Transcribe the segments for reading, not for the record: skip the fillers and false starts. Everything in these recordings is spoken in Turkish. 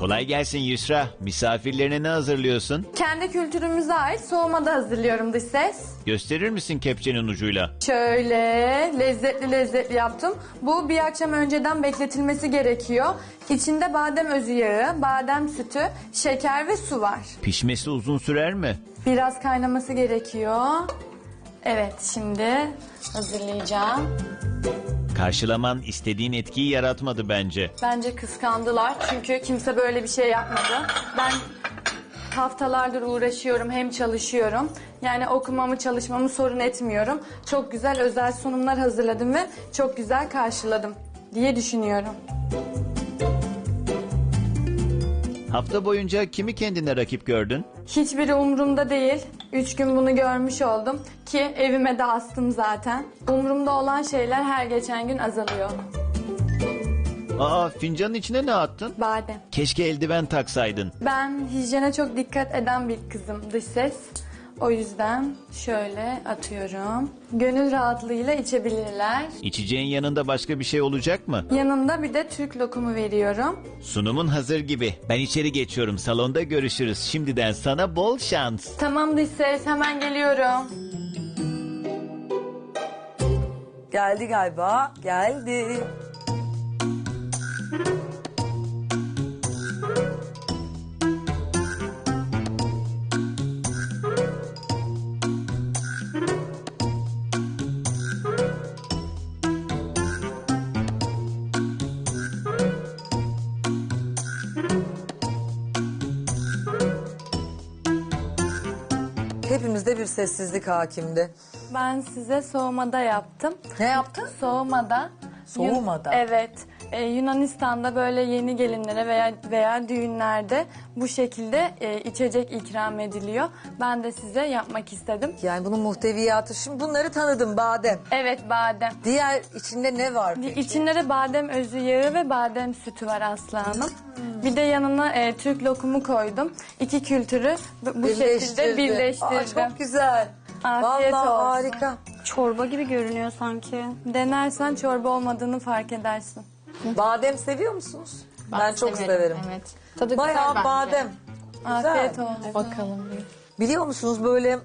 Kolay gelsin Yusra. Misafirlerine ne hazırlıyorsun? Kendi kültürümüze ait soğumada hazırlıyorum dış ses. Gösterir misin kepçenin ucuyla? Şöyle lezzetli lezzetli yaptım. Bu bir akşam önceden bekletilmesi gerekiyor. İçinde badem özü yağı, badem sütü, şeker ve su var. Pişmesi uzun sürer mi? Biraz kaynaması gerekiyor. Evet, şimdi hazırlayacağım. Karşılaman istediğin etkiyi yaratmadı bence. Bence kıskandılar çünkü kimse böyle bir şey yapmadı. Ben haftalardır uğraşıyorum, hem çalışıyorum. Yani okumamı, çalışmamı sorun etmiyorum. Çok güzel özel sunumlar hazırladım ve çok güzel karşıladım diye düşünüyorum. Hafta boyunca kimi kendine rakip gördün? Hiçbiri umurumda değil. 3 gün bunu görmüş oldum ki evime de astım zaten. Umurumda olan şeyler her geçen gün azalıyor. Aa, fincanın içine ne attın? Badem. Keşke eldiven taksaydın. Ben hijyene çok dikkat eden bir kızım dış ses. O yüzden şöyle atıyorum. Gönül rahatlığıyla içebilirler. İçeceğin yanında başka bir şey olacak mı? Yanında bir de Türk lokumu veriyorum. Sunumun hazır gibi. Ben içeri geçiyorum. Salonda görüşürüz. Şimdiden sana bol şans. Tamam dış ses, hemen geliyorum. Geldi galiba. Geldi. Hepimizde bir sessizlik hakimdi. Ben size soğumada yaptım. Ne yaptın? Soğumada. Soğumada? Evet. Yunanistan'da böyle yeni gelinlere veya düğünlerde bu şekilde içecek ikram ediliyor. Ben de size yapmak istedim. Yani bunun muhteviyatı. Şimdi bunları tanıdım, badem. Evet, badem. Diğer içinde ne var peki? İçinde de badem özü yağı ve badem sütü var Aslı Hanım. Bir de yanına Türk lokumu koydum. İki kültürü bu şekilde birleştirdim. Aa, çok güzel. Afiyet Vallahi olsun. harika. Çorba gibi görünüyor sanki. Denersen çorba olmadığını fark edersin. Badem seviyor musunuz? Ben çok severim. Evet. Tadı Bayağı güzel badem. Güzel. Afiyet olsun. Bakalım. Biliyor musunuz böyle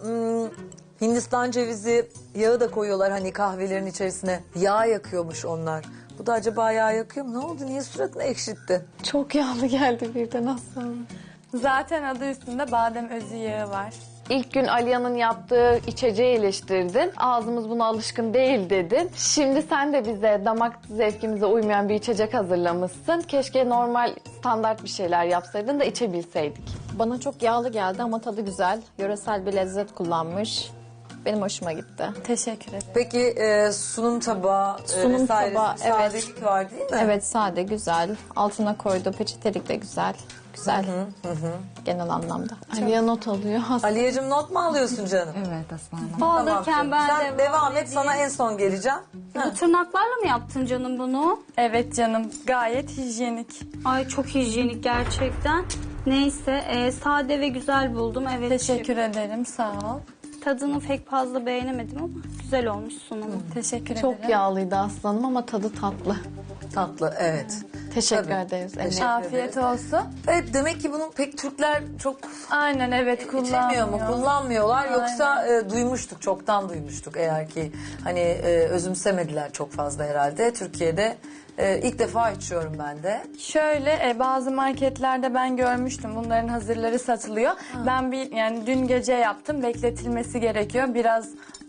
Hindistan cevizi yağı da koyuyorlar hani kahvelerin içerisine. Yağ yakıyormuş onlar. Bu da acaba yağ yakıyor mu? Ne oldu? Niye suratını ekşitti? Çok yağlı geldi birden aslında. Zaten adı üstünde badem özü yağı var. İlk gün Aliya'nın yaptığı içeceği eleştirdin. Ağzımız buna alışkın değil dedin. Şimdi sen de bize damak zevkimize uymayan bir içecek hazırlamışsın. Keşke normal standart bir şeyler yapsaydın da içebilseydik. Bana çok yağlı geldi ama tadı güzel. Yöresel bir lezzet kullanmış. Benim hoşuma gitti. Teşekkür ederim. Peki sunum tabağı Sunum vesairesi tabağı, bir sadelik var değil mi? Evet, sade, güzel. Altına koyduğu peçetelik de güzel. Güzel. Genel anlamda. Aliya not alıyor. Aliyeciğim not mu alıyorsun canım? Evet aslanım. Tamam Alırken canım. ben Sen devam et, sana en son geleceğim. Bu tırnaklarla mı yaptın canım bunu? Evet canım, gayet hijyenik. Ay çok hijyenik gerçekten. Neyse sade ve güzel buldum. Evet. Teşekkür ederim, sağ ol. Tadını pek fazla beğenemedim ama güzel olmuş sunumu. Teşekkür ederim. Çok yağlıydı aslanım ama tadı tatlı. Tatlı, evet. Teşekkür Tabii. ederiz. Teşekkür Afiyet ederim. olsun. Evet, demek ki bunu pek Türkler çok Aynen, evet, içemiyor mu, kullanmıyor. kullanmıyorlar. Yoksa duymuştuk, çoktan duymuştuk eğer ki hani özümsemediler çok fazla herhalde. Türkiye'de ilk defa içiyorum ben de. Şöyle bazı marketlerde ben görmüştüm, bunların hazırları satılıyor. Ben yani dün gece yaptım, bekletilmesi gerekiyor. Biraz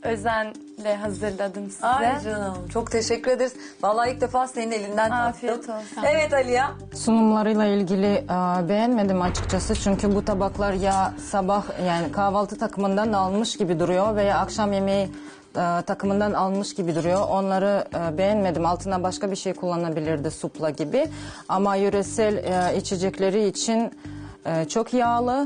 özenle hazırladım size. Ay canım, çok teşekkür ederiz. Vallahi ilk defa senin elinden tattım. Afiyet olsun. Evet Aliye. Sunumlarıyla ilgili beğenmedim açıkçası. Çünkü bu tabaklar ya sabah yani kahvaltı takımından almış gibi duruyor veya akşam yemeği takımından almış gibi duruyor. Onları beğenmedim. Altına başka bir şey kullanabilirdi, supla gibi. Ama yöresel içecekleri için çok yağlı.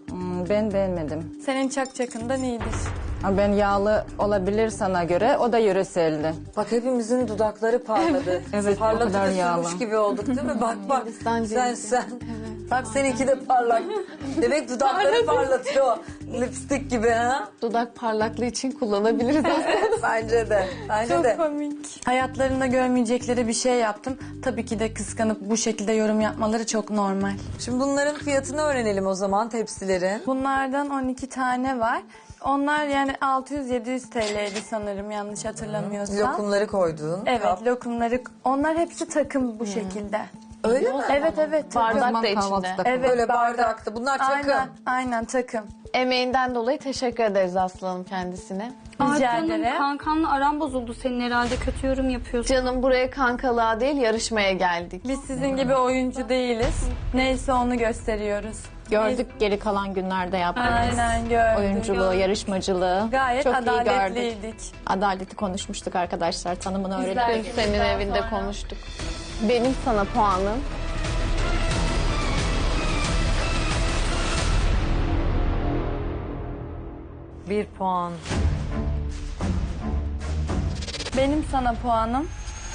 Ben beğenmedim. Senin çakçakından iyidir. Ben yağlı olabilir sana göre. O da yöreseldi. Bak hepimizin dudakları parladı. Evet, o Parlatıp kadar da yağlı. sürmüş gibi olduk değil mi? Bak Hindistan sen cevizi. Bak seninki de parlak. Demek dudakları parlatıyor. Lipstik gibi ha? Dudak parlaklığı için kullanabiliriz aslında. Bence de. Bence Çok de. komik. Hayatlarında görmeyecekleri bir şey yaptım. Tabii ki de kıskanıp bu şekilde yorum yapmaları çok normal. Şimdi bunların fiyatını öğrenelim o zaman, tepsilerin. Bunlardan 12 tane var. Onlar yani 600-700 TL'ydi sanırım yanlış hatırlamıyorsam. Lokumları koyduğun Evet, kap. lokumları. Onlar hepsi takım bu şekilde. Öyle mi? Evet evet takım. Bardak da Kahvaltı içinde. takımı. Evet, Böyle bardakta. Bunlar takım. Aynen takım. Emeğinden dolayı teşekkür ederiz Aslı Hanım kendisine. Rica Canım, ederim. kankanla aran bozuldu senin herhalde. Kötü yorum yapıyorsun. Canım buraya kankalığa değil yarışmaya geldik. Biz sizin gibi oyuncu değiliz. Neyse onu gösteriyoruz. Gördük geri kalan günlerde yaptığınız Aynen gördüm. oyunculuğu, yarışmacılığı. Gayet çok iyi gördük. adaletliydik. Adaleti konuşmuştuk arkadaşlar. Tanımını öğrendik. Dün senin evinde konuştuk. Benim sana puanım 1 puan. Benim sana puanım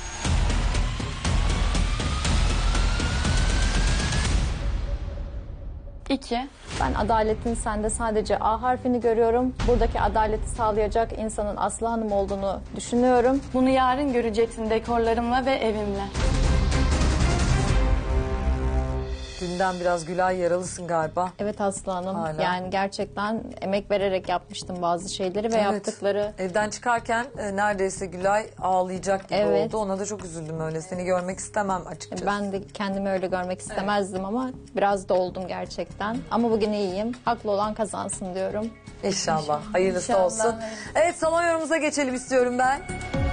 2. Ben adaletin sende sadece A harfini görüyorum. Buradaki adaleti sağlayacak insanın Aslı Hanım olduğunu düşünüyorum. Bunu yarın göreceksin dekorlarımla ve evimle. Dünden biraz Gülay yaralısın galiba. Evet Aslı Hanım. Hala. Yani gerçekten emek vererek yapmıştım bazı şeyleri ve Evet. yaptıkları. Evden çıkarken neredeyse Gülay ağlayacak gibi Evet. oldu. Ona da çok üzüldüm öyle. Seni görmek istemem açıkçası. Ben de kendimi öyle görmek istemezdim ama biraz da oldum gerçekten. Ama bugün iyiyim. Haklı olan kazansın diyorum. İnşallah. Hayırlısı İnşallah. olsun. Evet, salon yorumumuza geçelim istiyorum ben.